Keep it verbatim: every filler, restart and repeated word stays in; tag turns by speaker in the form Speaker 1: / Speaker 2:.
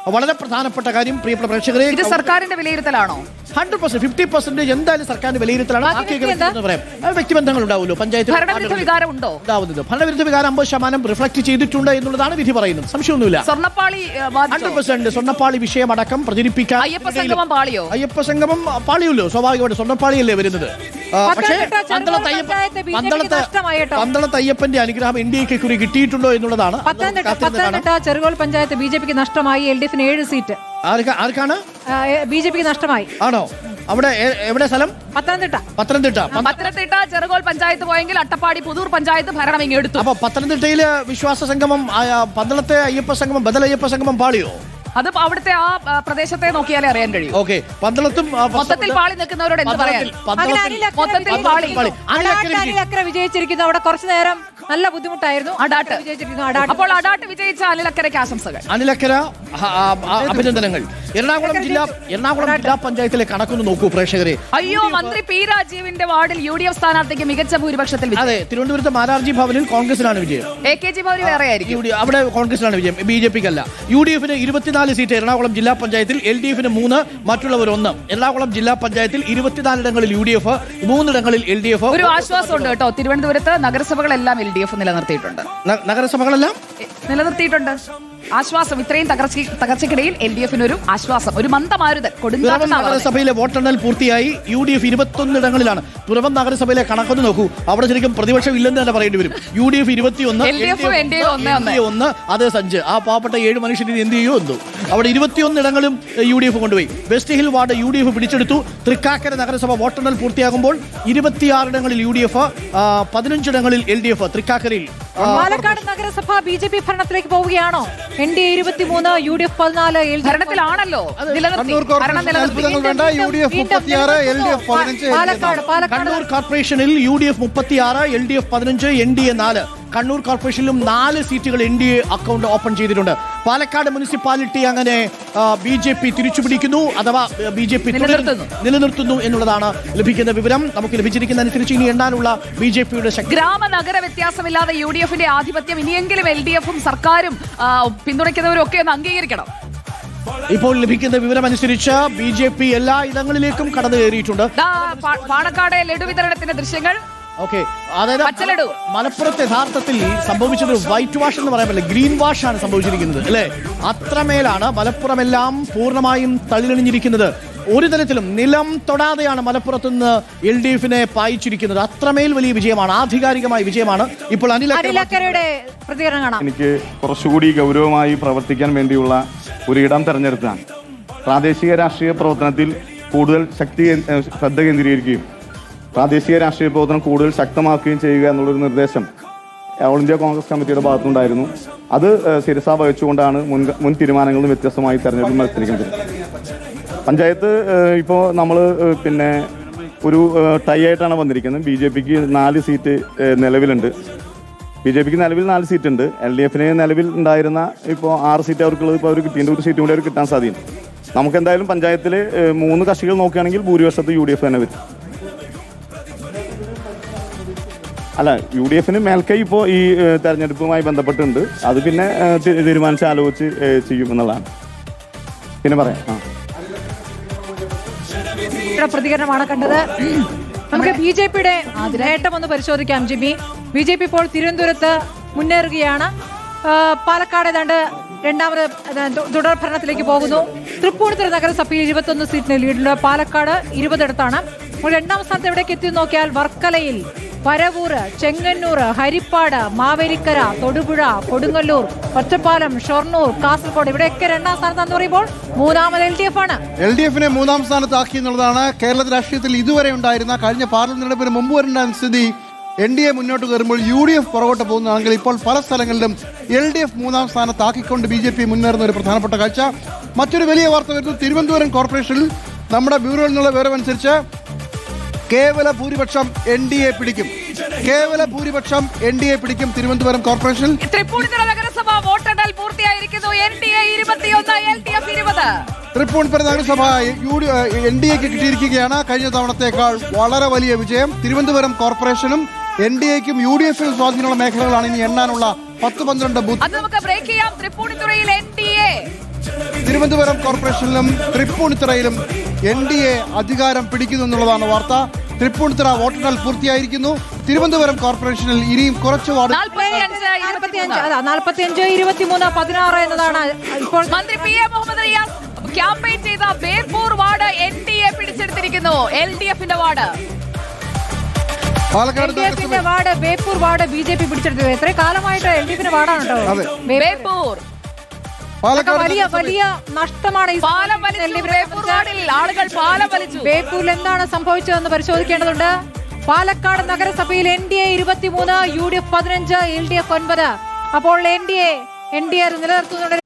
Speaker 1: വളരെ പ്രധാനപ്പെട്ട കാര്യം പ്രിയപ്പെട്ട പ്രേക്ഷകരെ,
Speaker 2: ഇത് സർക്കാരിന്റെ വിലയിരുത്തലാണോ?
Speaker 1: ഹൺഡ്രഡ് പെർസെന്റ് ഫിഫ്റ്റി പെർസെന്റേജ് എന്തായാലും സർക്കാരിന്റെ വിലയിരുത്തലാണ്. പറയാം വ്യക്തിബന്ധങ്ങൾ ഉണ്ടാവുമല്ലോ, പഞ്ചായത്ത്
Speaker 2: ഭരണവിരുദ്ധ വികാരം ഉണ്ടോ
Speaker 1: ഉണ്ടാവുന്നത്. ഭരണവിരുദ്ധ വികാരം അമ്പത് ശതമാനം റിഫ്ലക്ട് ചെയ്തിട്ടുണ്ട് എന്നുള്ളതാണ് വിധി പറയുന്നത്. സംശയമൊന്നുമില്ല.
Speaker 2: സ്വർണ്ണപ്പാളി
Speaker 1: ഹൺഡ്രഡ് പെർസെന്റ് സ്വർണ്ണപ്പാളി വിഷയമടക്കം പ്രചരിപ്പിക്കാൻ
Speaker 2: അയ്യപ്പ സംഗമം പാളിയോ?
Speaker 1: അയ്യപ്പ സംഗമം പാളിയല്ലോ, സ്വാഭാവികമായിട്ട് സ്വർണ്ണപ്പാളിയല്ലേ വരുന്നത്. പക്ഷേ പന്തളത്ത് അയ്യപ്പന്റെ അനുഗ്രഹം എൻ ഡി എക്ക് കുറി കിട്ടിയിട്ടുണ്ടോ എന്നുള്ളതാണ്.
Speaker 3: പത്തനംതിട്ട ചെറുകോൽ പഞ്ചായത്ത് ബി ജെ പിക്ക് നഷ്ടമായി. എൽ ഡി എഫിന് ഏഴ് സീറ്റ്
Speaker 1: ആർക്കാണ്?
Speaker 3: ബി ജെ പിക്ക് നഷ്ടമായി.
Speaker 1: ആണോ? അവിടെ എവിടെ സ്ഥലം?
Speaker 3: പത്തനംതിട്ട.
Speaker 1: പത്തനംതിട്ട
Speaker 2: പത്തനംതിട്ട ചെറുകോൽ പഞ്ചായത്ത് പോയെങ്കിൽ അട്ടപ്പാടി പുതൂർ പഞ്ചായത്ത് ഭരണം ഇങ്ങെടുത്തു.
Speaker 1: അപ്പൊ പത്തനംതിട്ടയില് വിശ്വാസ സംഗമം, പന്തളത്തെ അയ്യപ്പ സംഗമം, ബദൽ അയ്യപ്പ സംഗമം പാളിയോ?
Speaker 2: അത് അവിടുത്തെ ആ പ്രദേശത്തെ നോക്കിയാലേ അറിയാൻ കഴിയും.
Speaker 1: ഓക്കെ, പന്തളത്തും
Speaker 2: മൊത്തത്തിൽ പാളി നിൽക്കുന്നവരോട് എന്ത് പറയാൻ? മൊത്തത്തിൽ പാളി
Speaker 3: വിജയിച്ചിരിക്കുന്നു. അവിടെ കുറച്ചു നേരം നല്ല ബുദ്ധിമുട്ടായിരുന്നു.
Speaker 2: അടാട്ട് അപ്പോൾ അടാട്ട് വിജയിച്ച അനിലക്കരയ്ക്ക് ആശംസകൾ.
Speaker 1: അനിലക്കര അഭിനന്ദനങ്ങൾ. എറണാകുളം ജില്ലാ എറണാകുളം ജില്ലാ പഞ്ചായത്തിലെ കണക്കൊന്ന് നോക്കൂ പ്രേക്ഷകരെ.
Speaker 2: അയ്യോ, മന്ത്രി പി രാജീവിന്റെ വാർഡിൽ യു ഡി എഫ് സ്ഥാനാർത്ഥിക്ക് മികച്ച ഭൂരിപക്ഷത്തിൽ.
Speaker 1: അതെ, തിരുവനന്തപുരത്ത് മാരാർജി ഭവനിൽ കോൺഗ്രസിനാണ് വിജയം.
Speaker 2: എ കെ ജി ഭവനിൽ വേറെ ആയിരിക്കും.
Speaker 1: അവിടെ കോൺഗ്രസിനാണ് വിജയം, ബി ജെ പിക്ക് അല്ല. യു ഡി എഫിന് ഇരുപത്തിനാല് സീറ്റ് എറണാകുളം ജില്ലാ പഞ്ചായത്തിൽ, എൽ ഡി എഫിന് മൂന്ന്, മറ്റുള്ളവർ ഒന്ന്. എറണാകുളം ജില്ലാ പഞ്ചായത്തിൽ ഇരുപത്തിനാലിടങ്ങളിൽ യു ഡി എഫ്, മൂന്നിടങ്ങളിൽ എൽ ഡി എഫ്.
Speaker 2: ഒരു ആശ്വാസമുണ്ട് കേട്ടോ, തിരുവനന്തപുരത്ത് നഗരസഭകളെല്ലാം എൽ ഡി എഫ് നിലനിർത്തിയിട്ടുണ്ട്.
Speaker 1: നഗരസഭകളെല്ലാം
Speaker 2: നിലനിർത്തിയിട്ടുണ്ട്. ആശ്വാസം. ഇത്രയും തകർച്ച തകർച്ചയ്ക്കിടയിൽ എൽ ഡി എഫിന് ഒരു ആശ്വാസം, ഒരു മന്ദമാരുതൻ.
Speaker 1: പിറവം നഗരസഭയിലെ വോട്ടെണ്ണൽ പൂർത്തിയായി. യു ഡി എഫ് ഇരുപത്തൊന്നിടങ്ങളിലാണ്. പിറവം നഗരസഭയിലെ കണക്കൊന്ന് നോക്കൂ. അവിടെ ശരിക്കും പ്രതിപക്ഷം ഇല്ലെന്ന് തന്നെ പറയേണ്ടി വരും. യു ഡി എഫ് ഇരുപത്തിയൊന്ന്, ഒന്ന്, അതേ സഞ്ച്. ആ പാവപ്പെട്ട ഏഴ് മനുഷ്യരിൽ എന്ത് ചെയ്യുമോ എന്തോ. അവിടെ ഇരുപത്തിയൊന്നിടങ്ങളും യു ഡി എഫ് കൊണ്ടുപോയി. West hill ward U D F പിടിച്ചെടുത്തു. തൃക്കാക്കര നഗരസഭ വോട്ടെണ്ണൽ പൂർത്തിയാകുമ്പോൾ ഇരുപത്തിയാറിടങ്ങളിൽ യു ഡി എഫ്, പതിനഞ്ചിടങ്ങളിൽ എൽ ഡി എഫ്. തൃക്കാക്കരയിൽ
Speaker 3: പാലക്കാട് നഗരസഭ ബി ജെ പി ഭരണത്തിലേക്ക് പോവുകയാണോ? എൻ ഡി എ ഇരുപത്തിമൂന്ന്, യു ഡി എഫ് പതിനാല്,
Speaker 2: ഭരണത്തിലാണല്ലോ.
Speaker 1: കണ്ണൂർ കോർപ്പറേഷനിൽ യു ഡി എഫ് മുപ്പത്തിയാറ്, എൽ ഡി എഫ് പതിനഞ്ച്, എൻ ഡി എ നാല്. കണ്ണൂർ കോർപ്പറേഷനിലും നാല് സീറ്റുകൾ N D A account open ചെയ്തിട്ടുണ്ട്. പാലക്കാട് മുനിസിപ്പാലിറ്റി അങ്ങനെ ബി ജെ പി തിരിച്ചുപിടിക്കുന്നു, അഥവാ ബി ജെ പി നിലനിർത്തുന്നു എന്നുള്ളതാണ് ലഭിക്കുന്ന വിവരം. നമുക്ക് ലഭിച്ചിരിക്കുന്ന അനുസരിച്ച് ഇനി എണ്ണാനുള്ള ബി ജെ പിയുടെ ശക്തി.
Speaker 2: ഗ്രാമ നഗര വ്യത്യാസമില്ലാതെ യു ഡി എഫിന്റെ ആധിപത്യം ഇനിയെങ്കിലും എൽ ഡി എഫും സർക്കാരും പിന്തുണയ്ക്കുന്നവരും ഒക്കെ ഒന്ന് അംഗീകരിക്കണം.
Speaker 1: ഇപ്പോൾ ലഭിക്കുന്ന വിവരം അനുസരിച്ച് ബി ജെ പി എല്ലാ ഇടങ്ങളിലേക്കും കടന്നു കയറിയിട്ടുണ്ട്.
Speaker 2: പാണക്കാട് ലഡു വിതരണത്തിന്റെ ദൃശ്യങ്ങൾ.
Speaker 1: ഓക്കെ, അതായത് മലപ്പുറത്ത് യഥാർത്ഥത്തിൽ സംഭവിച്ചത് വൈറ്റ് വാഷ് എന്ന് പറയാൻ പറ്റില്ല, ഗ്രീൻ വാഷ് ആണ് സംഭവിച്ചിരിക്കുന്നത് അല്ലേ? അത്രമേലാണ് മലപ്പുറമെല്ലാം പൂർണ്ണമായും തള്ളിലണിഞ്ഞിരിക്കുന്നത്. ഒരു തരത്തിലും നിലം തൊടാതെയാണ് മലപ്പുറത്ത് നിന്ന് എൽ ഡി എഫിനെ പായിച്ചിരിക്കുന്നത്. അത്രമേൽ വലിയ വിജയമാണ്, ആധികാരികമായ വിജയമാണ്. ഇപ്പോൾ
Speaker 3: അനിലക്കരയുടെ പ്രതികരണം കാണാം.
Speaker 4: എനിക്ക് കുറച്ചുകൂടി ഗൗരവമായി പ്രവർത്തിക്കാൻ വേണ്ടിയുള്ള ഒരു ഇടം തെരഞ്ഞെടുത്താണ്. പ്രാദേശിക രാഷ്ട്രീയ പ്രവർത്തനത്തിൽ കൂടുതൽ ശക്തി ശ്രദ്ധ കേന്ദ്രീകരിക്കുകയും പ്രാദേശിക രാഷ്ട്രീയ പ്രവർത്തനം കൂടുതൽ ശക്തമാക്കുകയും ചെയ്യുക എന്നുള്ളൊരു നിർദ്ദേശം ഓൾ ഇന്ത്യ കോൺഗ്രസ് കമ്മിറ്റിയുടെ ഭാഗത്തുനിന്നുണ്ടായിരുന്നു. അത് ശിരസാ വഹിച്ചുകൊണ്ടാണ് മുൻ മുൻ തീരുമാനങ്ങളും വ്യത്യസ്തമായി തെരഞ്ഞെടുപ്പിൽ മത്സരിക്കുന്നത്. പഞ്ചായത്ത് ഇപ്പോൾ നമ്മൾ പിന്നെ ഒരു ടൈ ആയിട്ടാണ് വന്നിരിക്കുന്നത്. ബി ജെ പിക്ക് നാല് സീറ്റ് നിലവിലുണ്ട്. ബി ജെ പിക്ക് നിലവിൽ നാല് സീറ്റ് ഉണ്ട്. എൽ ഡി എഫിന് നിലവിൽ ഉണ്ടായിരുന്ന ഇപ്പോൾ ആറ് സീറ്റ് അവർക്കുള്ളത് ഇപ്പോൾ അവർ കിട്ടിയ ഒരു സീറ്റ് കൂടി അവർ കിട്ടാൻ സാധ്യത. നമുക്ക് എന്തായാലും പഞ്ചായത്തിൽ മൂന്ന് കക്ഷികൾ നോക്കുകയാണെങ്കിൽ ഭൂരിപക്ഷത്ത് യു ഡി എഫ് തന്നെ വരും. അല്ല, യു ഡി എഫിന് മേൽക്കൈ ഇപ്പോൾ ഈ തെരഞ്ഞെടുപ്പുമായി ബന്ധപ്പെട്ടുണ്ട്. അത് പിന്നെ തീരുമാനിച്ച് ആലോചിച്ച് ചെയ്യുമെന്നുള്ളതാണ്. പിന്നെ പറയാം. ആ
Speaker 3: പ്രതികരണമാണ് കണ്ടത്. നമുക്ക് ബി ജെ പിയുടെ നേട്ടം ഒന്ന് പരിശോധിക്കാം. ജിമ്മി, ബി ജെ പി ഇപ്പോൾ തിരുവനന്തപുരത്ത് മുന്നേറുകയാണ്. പാലക്കാട് ഏതാണ്ട് രണ്ടാമത് തുടർ ഭരണത്തിലേക്ക് പോകുന്നു. തൃപ്പൂണിത്തുറ നഗരസഭയിൽ ഇരുപത്തൊന്ന് സീറ്റിന് ലീഡുള്ള പാലക്കാട് ഇരുപതിടത്താണ്. രണ്ടാം സ്ഥാനത്ത് എവിടേക്ക് എത്തി നോക്കിയാൽ വർക്കലയിൽ, പരവൂർ, ചെങ്ങന്നൂർ, ഹരിപ്പാട്, മാവേലിക്കര, തൊടുപുഴ, കൊടുങ്ങല്ലൂർ, ഒറ്റപ്പാലം, ഷൊർണൂർ, കാസർഗോഡ് ഇവിടെയൊക്കെ രണ്ടാം സ്ഥാനത്താന്ന് പറയുമ്പോൾ മൂന്നാമത് എൽ ഡി എഫ് ആണ്.
Speaker 5: എൽ ഡി എഫിനെ മൂന്നാം സ്ഥാനത്താക്കി എന്നുള്ളതാണ് കേരള രാഷ്ട്രീയത്തിൽ ഇതുവരെ ഉണ്ടായിരുന്ന, കഴിഞ്ഞ പാർലമെന്റ് തെരഞ്ഞെടുപ്പിന് മുമ്പ് വരുന്ന സ്ഥിതി. എൻ ഡി എ മുന്നോട്ട് കയറുമ്പോൾ യു ഡി എഫ് പുറകോട്ട് പോകുന്നതാണെങ്കിൽ ഇപ്പോൾ പല സ്ഥലങ്ങളിലും എൽ ഡി എഫ് മൂന്നാം സ്ഥാനത്താക്കിക്കൊണ്ട് ബി ജെ പി മുന്നേറുന്ന ഒരു പ്രധാനപ്പെട്ട കാഴ്ച. മറ്റൊരു വലിയ വാർത്ത വരുന്നു. തിരുവനന്തപുരം കോർപ്പറേഷനിൽ നമ്മുടെ ബ്യൂറോയിൽ നിന്നുള്ള വിവരമനുസരിച്ച് കേവല ഭൂരിപക്ഷം എൻ ഡി എ പിടിക്കും. കേവല ഭൂരിപക്ഷം എൻ ഡി എ പിടിക്കും തിരുവനന്തപുരം കോർപ്പറേഷനിൽ.
Speaker 2: തൃപ്പൂണിത്തുറ നഗരസഭ വോട്ടെണ്ണൽ പൂർത്തിയായിരിക്കുന്നു. എൻ ഡി എ ഇരുപത്തിയൊന്ന്, എൽ ഡി എഫ് ഇരുപത്.
Speaker 5: തൃപ്പൂണിത്തുറ നഗരസഭ എൻ ഡി എക്ക് കിട്ടിയിരിക്കുകയാണ്. കഴിഞ്ഞ തവണത്തേക്കാൾ വളരെ വലിയ വിജയം. തിരുവനന്തപുരം കോർപ്പറേഷനും എൻ ഡി എക്കും യു ഡി എഫിനും സ്വാധീനമുള്ള മേഖലകളാണ് ഇനി എണ്ണാനുള്ള പത്ത് പന്ത്രണ്ട് ബൂത്ത്.
Speaker 2: നമുക്ക് ബ്രേക്ക് ചെയ്യാം. തൃപ്പൂണിത്തുറയിൽ എൻ ഡി എ
Speaker 5: തിരുവനന്തപുരം കോർപ്പറേഷനിലും തൃപ്പൂണിത്തുറയിലും എൻ ഡി എ അധികാരം പിടിക്കുന്നു എന്നുള്ളതാണ് വാർത്ത. തൃപ്പൂണിത്തുറ വോട്ടെണ്ണൽ പൂർത്തിയായിരിക്കുന്നു. തിരുവനന്തപുരം കോർപ്പറേഷനിൽ ഇനിയും കുറച്ച് വാർഡ്
Speaker 3: നാൽപ്പത്തിയഞ്ച് ഇരുപത്തിമൂന്ന് പതിനാറ് എന്നതാണ് ഇപ്പോൾ
Speaker 2: മന്ത്രി P A Muhammad Riyas campaign ചെയ്ത Beypore ward N D A പിടിച്ചെടുത്തിരിക്കുന്നു. എൽ ഡി എഫിന്റെ വാർഡ്
Speaker 5: പാലക്കാട്
Speaker 3: എൽ ഡി എഫിന്റെ ward Beypore ward B J P പിടിച്ചെടുത്തത്. എത്രയും കാലമായിട്ട് എൽ ഡി എഫിന്റെ വാർഡാണ് കേട്ടോ
Speaker 2: ബേപ്പൂർ.
Speaker 5: പാലക്കാട്
Speaker 3: വലിയ വലിയ നഷ്ടമാണ് ഈ
Speaker 2: പാലം വലിച്ചു. ബേപ്പൂർ വാർഡിൽ ആളുകൾ പാലം വലിച്ചു.
Speaker 3: ബേപ്പൂരിൽ എന്താണ് സംഭവിച്ചതെന്ന് പരിശോധിക്കേണ്ടതുണ്ട്. പാലക്കാട് നഗരസഭയിൽ എൻ ഡി എ ഇരുപത്തിമൂന്ന്, യു ഡി എഫ് പതിനഞ്ച്, എൽ ഡി എഫ് ഒൻപത്. അപ്പോൾ N D A N D A നിലനിർത്തുന്നുണ്ട്.